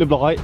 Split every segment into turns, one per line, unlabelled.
รียบร้อย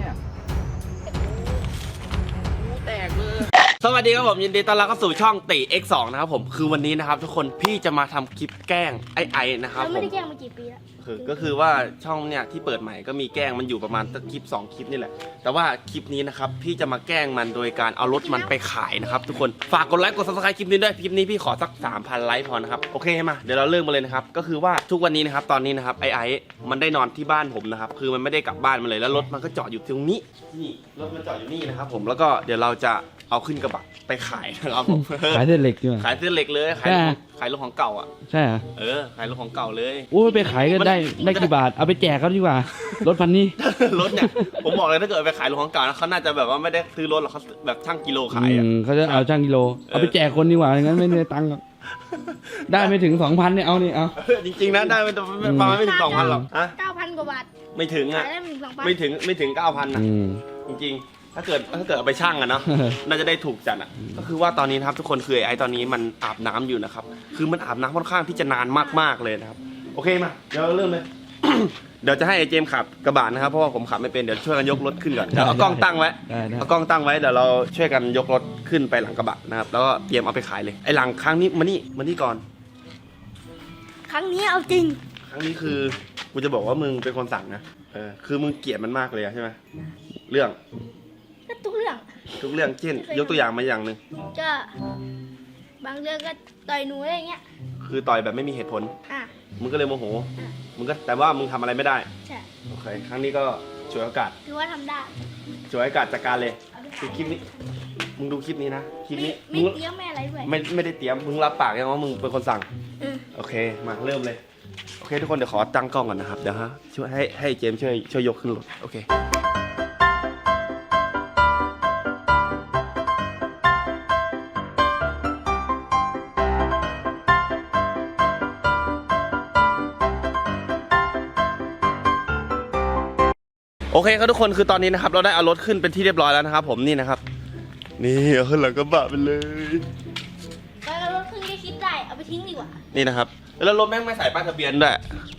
แตกเลยสวัสดีครับผมยินดีต้อนรับเข้าสู่ช่องติ X2 นะครับผมคือวันนี้นะครับทุกคนพี่จะมาทำคลิปแกล้งไอนะครับผม
ไม่ได้แกล้งมากี่ปีแล้ว
ก็คือว่าช่องเนี่ยที่เปิดใหม่ก็มีแกล้งมันอยู่ประมาณคลิป2คลิปนี่แหละแต่ว่าคลิปนี้นะครับพี่จะมาแกล้งมันโดยการเอารถมันไปขายนะครับทุกคนฝากกดไลค์กด Subscribe คลิปนี้ด้วยคลิปนี้พี่ขอสัก 3,000 ไลค์พอนะครับโอเคมาเดี๋ยวเราเริ่มมาเลยนะครับก็คือว่าทุกวันนี้นะครับตอนนี้นะครับไอมันได้นอนที่บ้านผมนะครับคือมันไม่ได้กลับบ้านมาเลยแล้วรถมันก็จอดอยู่ตรงนี้นี่รถมันจอดอยู่นี่นะครับผมแล้วก็เดี๋ยวเราจะเอาขึ้นกระบะไปขายนะครับผม
ขายเส้นเหล็กด้วย
ขายเส้นเหล็กเลยขายรถของเก่าอ่ะ
ใช่เหรอ
ขายรถของเก่าเลย
โอ้ไปขายก็ได้กี่บาทเอาไปแจกเขาดีกว่ารถพันนี้
รถเนี่ยผมบอกเลยถ้าเกิดไปขายรถของเก่านะเขาน่าจะแบบว่าไม่ได้ซื้อรถหรอกเขาแบบช่างกิโลขายอ่ะ
เขาจะเอาช่างกิโลเอาไปแจกคนดีกว่าอย่างนั้นไม่ได้ตังค์ได้ไม่ถึง 2,000เนี่ยเอานี่เอา
จริงๆนะได้ประมาณไม่ถึง 2,000 หรอก
9,000 กว่าบาท
ไม่ถึงอ่ะไม่ถึง 9,000 นะจริงๆถ้าเกิดเอาไปช่างอะเนาะน่าจะได้ถูกจัดอะก็คือว่าตอนนี้นะครับทุกคนคือไอ้ตอนนี้มันอาบน้ำอยู่นะครับคือมันอาบน้ำค่อนข้างที่จะนานมากๆเลยนะครับโอเคมาเดี๋ยวเริ่มเลย เดี๋ยวจะให้ไอ้เจมขับกระบะนะครับเพราะว่าผมขับไม่เป็นเดี๋ยวช่วยกันยกรถขึ้นก่อนเดี๋ยวเอากล้องตั้งไว้เอากล้องตั้งไว้เดี๋ยวเราช่วยกันยกรถขึ้นไปหลังกระบะนะครับแล้วก็เตรียมเอาไปขายเลยไอ้หลังครั้งนี้มานี่ก่อน
ครั้งนี้เอาจริง
ครั้งนี้คือกูจะบอกว่ามึงเป็นคนสั่งนะคือมึงเกลียดมันมากเลยใช่ไหมเรื่อง
ทุกเ
รื่องเช่นยกตัวอย่างมาอย่างหนึ่ง
ก็บางเรื่องก็ต่อยหนูอะไรเงี้ย
คือต่อยแบบไม่มีเหตุผลมึงก็เลยโมโหมึงก็แต่ว่ามึงทำอะไรไม่ได้
ใช่
โอเคครั้งนี้ก็ช่วยโอกาส
คือว่าทำได้
ช่วยโอกาสจัดการเลยคือคลิปนี้มึงดูคลิปนี้นะคลิปนี้
ไม่เตรียมไม่อะไรด้วย
ไม่ได้เตรียมมึงรับปากยังว่ามึงเป็นคนสั่งโอเคมาเริ่มเลยโอเคทุกคนเดี๋ยวขอตั้งกล้องก่อนนะครับเดี๋ยวช่วยให้เจมช่วยยกขึ้นรถโอเคโอเคครับทุกคนคือตอนนี้นะครับเราได้เอารถขึ้นเป็นที่เรียบร้อยแล้วนะครับผมนี่นะครับนี่เอาขึ้นหลังกระบะไปเลย
แล้วรถขึ้นก็คิดได้เอาไปทิ้งดีกว่า
นี่นะครับแล้วรถแม่งไม่ใส่ป้ายทะเบียนด้วย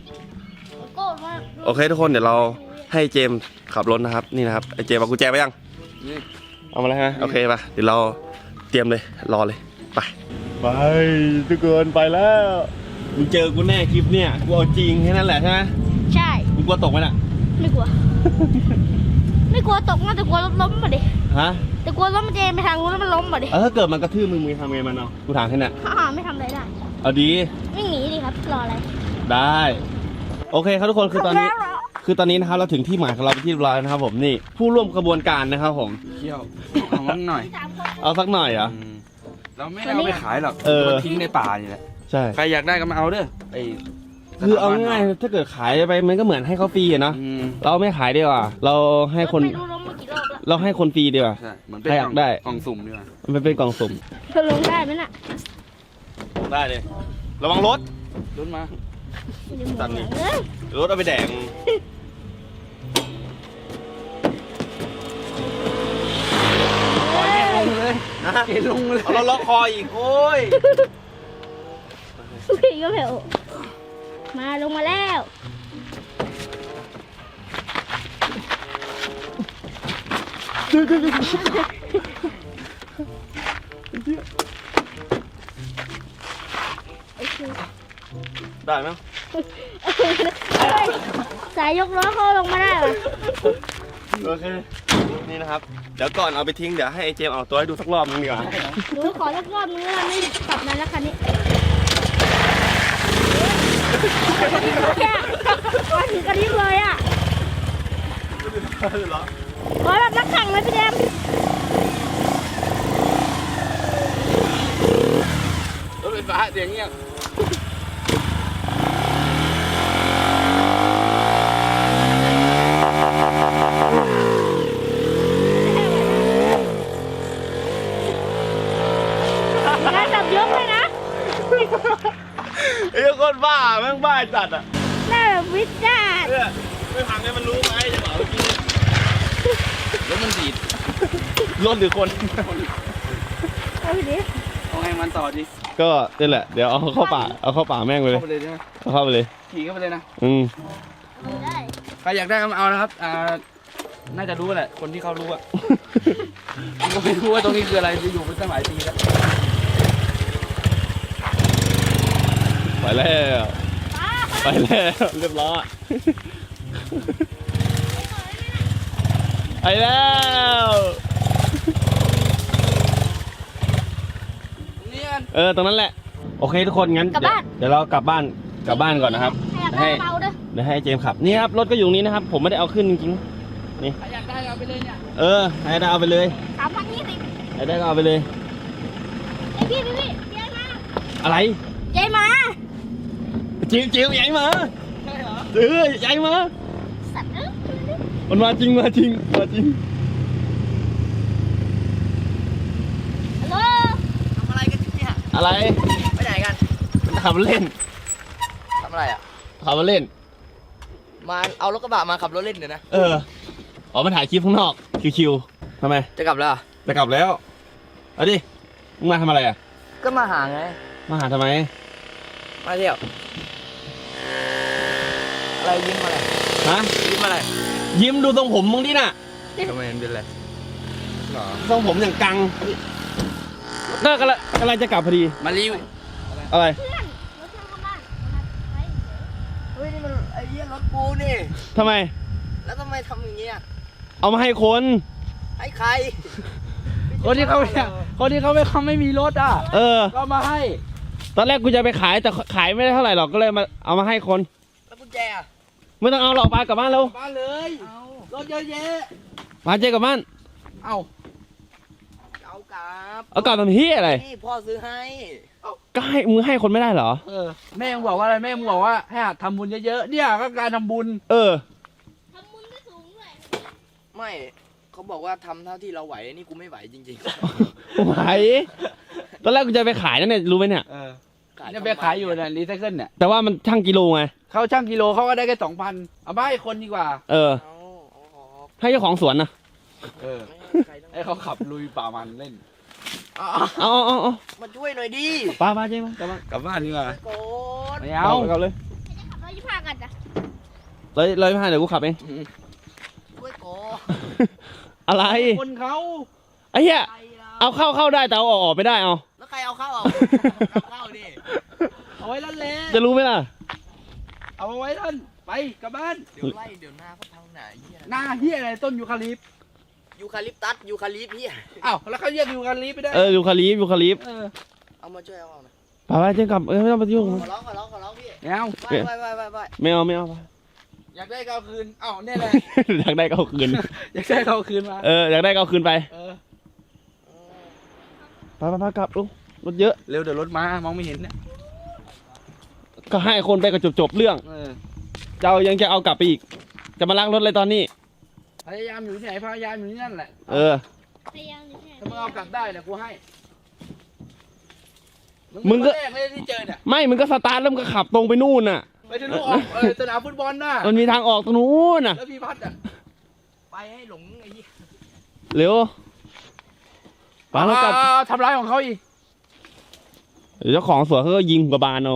โอเคทุกคนเดี๋ยวเราให้เจมขับรถนะครับนี่นะครับไอเจมเอากุญแจไปยังเอามาแล้วฮะโอเคป่ะเดี๋ยวเราเตรียมเลยรอเลยไปทุกคนไปแล้วมึงเจอกูแน่คลิปเนี่ยกูเอาจริงแค่นั้นแหละใช่ไหม
ใช่
มึงกลัวตกไหมน่ะ
ไม่กลัว ไม่กลัวตกนะแต่กลัวรถล้มมาดิ
ฮะ
แต่กลัวรถมันจะไปทางนู้นแล้วมันล้มมาดิ
ถ้าเกิดมันกระทืบมึงทำไงมันเอากูถามแค่นี้
ไม่ทำอะไรได้
เอาดี
ไม่หนีดิครับรออะไร
ได้โอเคครับทุกคนคือตอนนี้นะครับเราถึงที่หมายของเราเป็นที่เรียบร้อยนะครับผมนี่ผู้ร่วมกระบวนการนะครับผม
เที่ยวเอาสักหน่อย
เอาสักหน่อยเหรอ
เราไม่เอาไปขายหรอกทิ้งในป่านี่แหละ
ใช่
ใครอยากได้ก็มาเอาเด้อ
คือเอาง่ายๆถ้าเกิดขายไปมันก็เหมือนให้เขาฟรีอะเนาะเราไม่ขายดีกว่าเราให้คนเราให้คนฟรีดีกว่าใครอยากได้
กล่องสุ่มดีกว่า
มันเป็นกล่องสุ่ม
จะลงได้ไหมน่ะ
ได้เลยระวังรถ
มา
ตันนี่รถเอาไปแดง
ลงเลยลงเลย
เอาเราล็อกคออีกโอ้ย
พี่ก็เผลมาลงมาแล้ว
ได้ไหม
สายยกล้อเขาลงมาได้เหรอ
โอเคนี่นะครับเดี๋ยวก่อนเอาไปทิ้งเดี๋ยวให้ไอเจมเอาตัวให้ดูสักรอบนึงดีกว่า
ดูขอสักรอบนึงแล้วไม่กลับมาแล้วคันนี้มาถึงกระดิ่งเลยอ่ะขอแบบนักแข่งเลยพี่เดม
รถไฟฟ้าเสียงเงี้ย
งานจับยกเลยนะ
ไอ้คนบ้าแม่งบ้าจัดอ่ะ
น่าวิจารณ์
ไม่ทำให้มันรู้ไหมจะบอกเมื่อกี้
รถมันดีด
รถหรือคน
เอาดิ
เอาให้มันต่อดิ
ก็นี่แหละเดี๋ยวเอาเข้าป่าแม่งไปเลยเอาเข้าไปเลย
ขี่เข้าไปเลยนะ
ได้
ใครอยากได้ก็มาเอานะครับน่าจะรู้แหละคนที่เขารู้อะ กูก็ไม่รู้ว่าตรงนี้คืออะไรอยู่เป็นตั้งหลายปีแล้วไปแล้วไปแล้วเรียบร้อยไปแล้วตรงนั้นแหละโอเคทุกคนงั้นเดี๋ยวเรากลับบ้านก่อนนะครับ
ให้เบาด้วย
เดี๋ยวให้เจมส์ขับนี่ครับรถก็อยู่นี้นะครับผมไม่ได้เอาขึ้นจริงๆนี่อยากได้เอาไปเลยเนี่ยให้ได้เอาไปเลย
3,020
ให้ได้ก็เอาไปเลย
ไอพี่เจ๊มา
อะไร
เจ๊มา
จิ๋วใหญ่มาใช่เหรอใหญ่มา
สัตว์
มันมาจริง
ฮัลโหล
ทำอะไรกันเนี่ย
อะไร
ไปไหนกัน
ขับเล่น
ทำอะไรอ่ะ
ขับมาเล่น
มาเอารถกระบะมาขับรถเล่นเดี๋ยวนะ
ออกมาถ่ายคลิปข้างนอกชิวๆทำไม
จะกลับแล้ว
จะกลับแล้วเอาดิมึงมาทำอะไรอ่ะ
ก็มาหาไง
มาหาทำไม
มาเที่ยวอะไรยิ้มอะไร
ฮะ
ยิ้มอะไร
ยิ้มดูทรงผมมึงดิน่ะ
ทำไมมันเป็นอะไรหรอ
ทรงผมอย่างกังก็กำลังจะกลับพอดี
มารีว
อะไร
เพื่อนรถเพื่อนเข้าบ้าน
เฮ้ยนี่มันไอ้เหี้ยรถกูนี่
ทำไม
แล้วทำไมทำอย่างเงี้ย
เอามาให้คน
ให้ใคร
คนที่เขาไม่มีรถอ่ะก็มาให้ ตอนแรกกูจะไปขายแต่ขายไม่ได้เท่าไหร่หรอกก็เลยมาเอามาให้คน
แล้วกุญแจอ่ะ
ไม่ต้องเอาหรอกไปกลับบ้านเร็ว
บ้านเลยรถเยอะแยะ
มาเจกลับบ้าน
เอากลับ
เอากลับทำเฮียอะไร
นี่พ่อซื้อให้
ก็ให้มึงให้คนไม่ได้เหรอ
แม่มึงบอกว่าอะไรแม่มึงบอกว่าให้หัดทำบุญเยอะๆเนี่ยก็การทำบุญ
ทำบุญก็สูงด้วย
ไม่เขาบอกว่าทำเท่าที่เราไหวนี่กูไม่ไหวจริง
ไหวตอนแรกกูจะไปขายนั่นเนี่ยรู้ไหมเนี่ย
ๆ
เนี่ยไปขายอยู่เนี่ยรีไซเคิลเนี่ย
แต่ว่ามันช่างกิโลไง
เขาช่างกิโลเขาก็ได้แค่2,000เอาไปให้คนดีกว่า
เอา
ให้เจ้าของสวนนะ
ไม่ให้ใครทั้ง
ให้เขาขับลุยป่ามันเล่น
เอา
มาช่วยหน่อยดิ
ป้าเจ๊มากลับบ้าน
กลับบ้านดีกว่า
โกด
ไม่เอา
กลับเลย
จะขับรถ25กันจ้ะ
เลยไม่ให้เดี๋ยวกูขับเอง
ช่วยโกด
อะไร
คนเขา
ไอ้เหี้ย
ใครเรา
เอาเข้าได้แต่เอาออกไม่ได้เอา
แล้วใครเอาเข้าเอาเข้าดิ
เอาไว้นั่นแหละ
จะรู้ไหมล่ะ
เอาไว้นั่นไปกลับบ้าน
เดี๋ยวไล่เดี๋ยวหน้าก็พังหนาเหี้ย
หน้าเฮียอะไรต้นยูคาลิปต์
ยูคาลิปตัสยูคาลิปเหี้ย
อ้าวแล้วเขาเรียกยูคาลิปต์ไม่ได้
ยูคาลิป
เอามาช่วยเอาหน่อย
ป้าเจ๊กลับไม่ต้องไปยุ่ง
ขอร้องพี่
ไม่เอา
ไป
ไม่เอา
อยากได้ก็เอาคืนอ้าวเนี่ยแหละ
อยากได้ก็เอาคืน
อยากได้ก็เอาคืนมา
อยากได้ก็เอาคืนไป
เออ
ไปกลับลูกรถเยอะ
เร็วเดี๋ยวรถมามองไม่เห็นเนี่ย
ก็ให้คนไปก็จบเรื่อง เจ้ายังจะเอากลับไปอีก จะมาล้างรถเลยตอนนี้
พยายามอยู่ที่ไหนพยายามอยู่ที่นั่นแหละ
พยายามอยู่ที่ไหน
ถ้ามึงเอากลับได้เนี่ยกูให้
มึงก็
เป็นคนแรกเลยที่เจอเนี่ย
ไม่มึงก็สตาร์ทแล้วมึงก็ขับตรงไปนู่นน่ะ
ไปถึงลูกออกสนามฟุตบอลน่ะ
มันมีทางออกตรงนู้นน่ะ
แล้วพี่พัดอ่ะ
ไปให้หลงไอ้เหี้ย
เร็วป้าเรากลับ
ทำร้ายของเขาอีก
เจ้าของสวนเขาก็ยิงกับบานเอา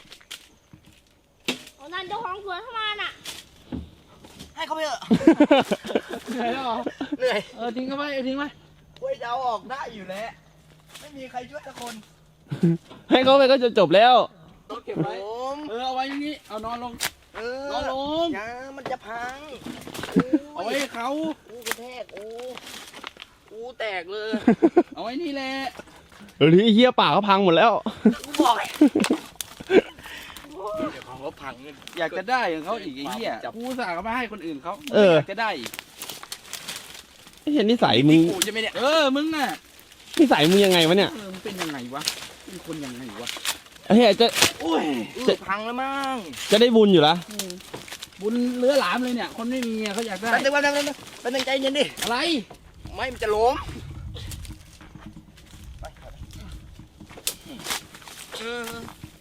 โอ้นั่นเจ้าของสวนเข้ามาน่ะ
ให้เขาไปเถอะ
เหนื่อยแล้วเหรอ
เหนื่อย
ทิ้งเขาไปทิ้งไหม
กูจะเอาออกได้อยู่แล้วไม่มีใครช่วยสักคน
ให้เขาไปก็จะจบแล้ว
รถเก็บ
ผ
ไว้
ม
เอาไว้อย่างนี้เอานอนลง
เอน
อนลง
อย่ามันจะพัง
เอาไว้ให้เขา
กูกระแทกกูแตกเลย
เอาไว้นี่แหละ
หรือไอ้เหี้ยป่าเขาพังหมดแล้ว
กูบอกไงเดี๋ยวของเขาพังเนี่ย
อยากจะได้ของเขาอีกไอ้เหี้ยกูสั่งเขามาให้คนอื่นเขา
เออ
อยากจะได้อีก
ไม่เห็นนิสัยมึง
กูจะไม่เนี่ย
มึงน่ะ
นิสัยมึงยังไงวะเนี่ย
มึงเป็นยังไงวะเป็นคนยังไงวะ
ไอ้เหี้ยจะ
โอ้ย
พังแล้วมั้ง
จะได้บุญอยู่ละ
บุญเลื้อหลามเลยเนี่ยคนไม่มีเขาอยากได้
แป๊บนึงเป็นใจเย็นดิ
อะไร
ไม่มันจะล้มเออ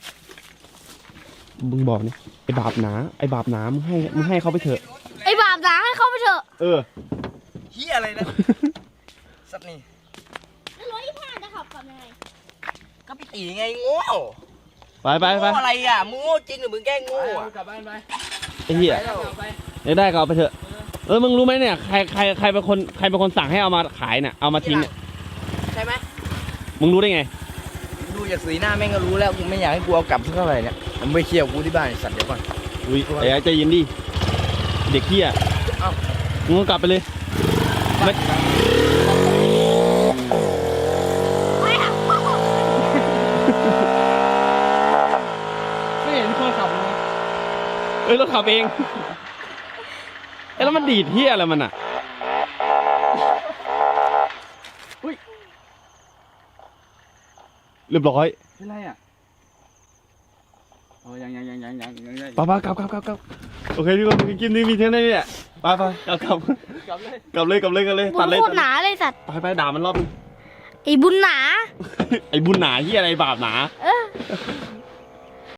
มึงบอกนี่ไอ้บาปหนามึงให้เขาไปเถอะ
ไอ้บาปหนาให้เข้าไปเถอะ
เฮียอะไรนะสัตว์นี่
แล้วรถ25จะขับกลับยังไง
ก็พี่ตีไงโง่
ไป
โง่อะไรอ่ะมึงโง่จริงหรือมึงแกล้งโง่
ไป
อ่ะ
กลับบ้านไป
ไอ้เหี้ย
ไปแล้วไป
ได้ก็เอาไปเถอะมึงรู้ไหมเนี่ยใครเป็นคนสั่งให้เอามาขายเนี่ยเอามาทิ้งเนี่ย
ใช่ไหม
มึงรู้ได้ไง
ดูจากสีหน้าแม่งก็รู้แล้วกูไม่อยากให้กูเอากลับสักเท่าไหร่เนี่ยผมไปเคลียร์กูที่บ้านไอ้สัตว์เดี๋ยวก่อน
อุ้ยไอ้ใจเย็นดิเด็กเหี้ย
เอ้า
มึงก็กลับไปเลยไม่
ไม่เห็นคนขับเลย
รถขับเองแล้วมันดีดเหี้ยอะไรมันอ่ะเรียบร้อย
เป็นไรอ่ะโอ้ยัง
ป้ากลับโอเคทุกคนกินนี่มีเท่านี้เนี่ยไปกลับเลย
บุ
ตั
ญ
ดเลย
โคตรหนาเลยสัตว์
ไปด่ามันรอบนึง
ไอ้บุญหนา
ไอ้บุญหนาที่อะไรบาปหนา
เออ